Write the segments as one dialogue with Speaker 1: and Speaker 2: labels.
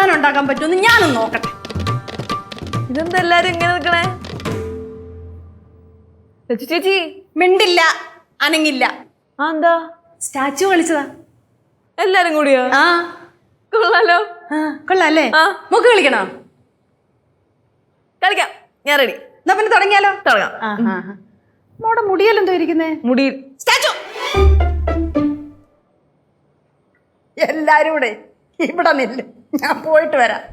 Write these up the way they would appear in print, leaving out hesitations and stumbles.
Speaker 1: സാധനം ഉണ്ടാക്കാൻ പറ്റുമെന്ന് ഞാനൊന്ന് നോക്കട്ടെ.
Speaker 2: ഇതെന്താ എല്ലാരും ഇങ്ങനെ നിക്കണേ? ചേച്ചി
Speaker 1: മിണ്ടില്ല, അനങ്ങില്ല.
Speaker 2: ആ എന്താ?
Speaker 1: സ്റ്റാച്ചു കളിച്ചതാ
Speaker 2: എല്ലാരും കൂടിയോ?
Speaker 1: ആ
Speaker 2: കൊള്ളാലോ.
Speaker 1: കൊള്ളാല്ലേ? മുക്ക് കളിക്കണോ?
Speaker 2: കളിക്കാം, ഞാൻ റെഡി.
Speaker 1: എന്നാ പിന്നെ തുടങ്ങിയാലോ?
Speaker 2: തുടങ്ങാം.
Speaker 1: മോടെ മുടിയല്ലെന്തോ ഇരിക്കുന്നേ?
Speaker 2: മുടി
Speaker 1: സ്റ്റാച്ചു. എല്ലാരും കൂടെ ഇവിടെ നില്ല്, ഞാൻ പോയിട്ട് വരാം.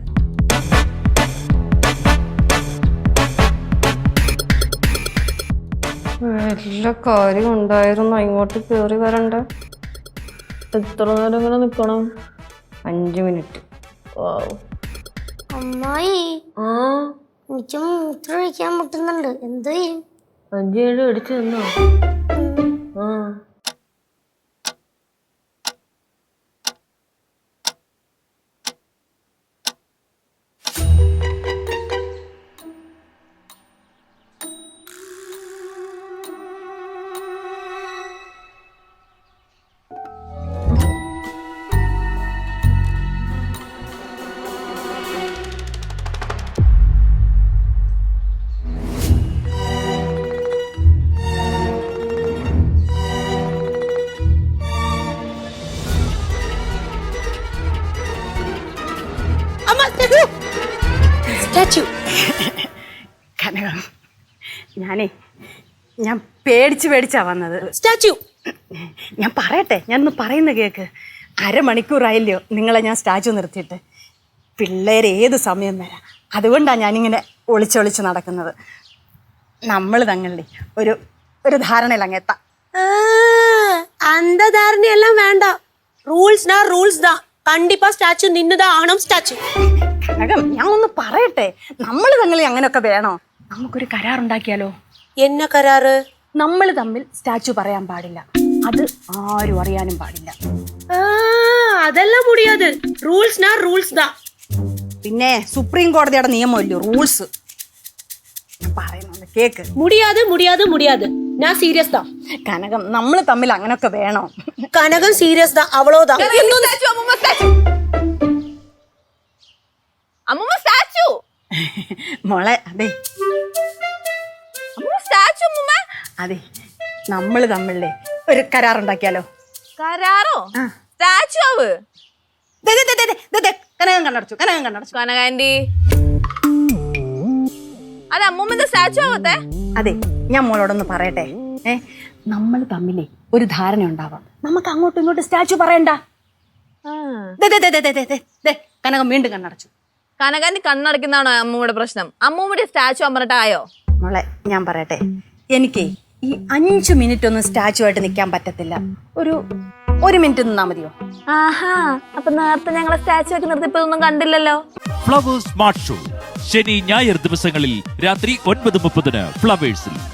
Speaker 2: വല്ല കാര്യം ഉണ്ടായിരുന്നു, ഇങ്ങോട്ട് കേറി വരണ്ട. എത്ര നേരം ഇങ്ങനെ നിക്കണം? 5 മിനിറ്റ്.
Speaker 3: അമ്മായി എനിക്ക് മൂത്രം ഒഴിക്കാൻ മുട്ടുന്നുണ്ട്, എന്ത് ചെയ്യും?
Speaker 2: 5-7 അടിച്ചു തന്നോ?
Speaker 1: സ്റ്റാച്ചു. കനകം, ഞാൻ പേടിച്ചാ വന്നത്.
Speaker 3: സ്റ്റാച്ചു.
Speaker 1: ഞാൻ പറയട്ടെ, ഞാനൊന്ന് പറയുന്ന കേക്ക്. 1/2 മണിക്കൂറായില്ലയോ നിങ്ങളെ ഞാൻ സ്റ്റാച്ചു നിർത്തിയിട്ട്. പിള്ളേര് ഏത് സമയം വരാം, അതുകൊണ്ടാണ് ഞാനിങ്ങനെ ഒളിച്ചൊളിച്ച് നടക്കുന്നത്. നമ്മൾ തങ്ങളുടെ ഒരു ധാരണയിൽ അങ്ങ് എത്താം.
Speaker 3: அந்த தாரணையெல்லாம் வேண்டாம். ரூல்ஸ்னா ரூல்ஸ் தான். கண்டிப்பா ஸ்டாச்சு நின்னுதான் ஆகணும். ஸ்டாச்சு.
Speaker 1: കനകം, ഞാൻ ഒന്ന് പറയട്ടെ, നമ്മൾ തങ്ങളിൽ അങ്ങനെയൊക്കെ വേണോ? നമുക്കൊരു കരാറുണ്ടാക്കിയാലോ?
Speaker 3: என்ன கராறு?
Speaker 1: നമ്മൾ തമ്മിൽ സ്റ്റാച്ചു പറയാൻ പാടില്ല, അത് ആരും അറിയാനും പാടില്ല.
Speaker 3: அதெல்லாம் முடியாது. ரூல்ஸ்னா ரூல்ஸ் தான்.
Speaker 1: പിന്നെ സുപ്രീം കോടതിയുടെ നിയമമല്ലോ റൂൾസ്. പറയുന്നത് കേക്ക്.
Speaker 3: முடியாது முடியாது முடியாது. நான் சீரியஸ் தான்.
Speaker 1: കനകം, നമ്മൾ തമ്മിൽ അങ്ങനൊക്കെ വേണോ?
Speaker 3: கனகம் சீரியஸ் தான், அவ்வளவுதான்.
Speaker 2: അമ്മൂമ്മ സ്റ്റാച്ചു.
Speaker 1: മോളെ, അതെ
Speaker 2: സ്റ്റാച്ചു അമ്മൂമ്മ.
Speaker 1: അതെ, നമ്മൾ തമ്മിലേ ഒരു കരാറുണ്ടാക്കിയാലോ?
Speaker 2: കരാറോ? സ്റ്റാച്ചു ആവ്.
Speaker 1: കനകം കണ്ണടച്ചു.
Speaker 2: കനകാൻറ്റി, അത് അമ്മൂമ്മന്റെ സ്റ്റാച്ചു ആവത്തെ.
Speaker 1: അതെ, ഞാൻ മോളോടൊന്ന് പറയട്ടെ. നമ്മൾ തമ്മിലേ ഒരു ധാരണ ഉണ്ടാവാം, നമുക്ക് അങ്ങോട്ടും ഇങ്ങോട്ടും സ്റ്റാച്ചു പറയണ്ട. കനകം വീണ്ടും കണ്ണടച്ചു.
Speaker 2: കനകാൻറ്റി കണ്ണടക്കുന്നതാണോ അമ്മൂമ്മയുടെ പ്രശ്നം? അമ്മൂമ്മയുടെ സ്റ്റാച്ചു അമ്മറിട്ടായോ?
Speaker 1: മോളെ, ഞാൻ പറയട്ടെ, എനിക്ക് ഈ 5 മിനിറ്റ് ഒന്നും സ്റ്റാച്ചു ആയിട്ട് നിൽക്കാൻ പറ്റത്തില്ല. ഒരു മിനിറ്റ് നിന്നാ മതിയോ?
Speaker 2: ആഹാ, അപ്പൊ നേരത്തെ ഞങ്ങളെ സ്റ്റാച്ചു ഒക്കെ നിർത്തിയപ്പോഴൊന്നും കണ്ടില്ലല്ലോ.
Speaker 4: ഫ്ലവേഴ്സ് സ്മാർട്ട് ഷോ ശനി ഞായർ ദിവസങ്ങളിൽ രാത്രി 9:30 ഫ്ലവേഴ്സിൽ.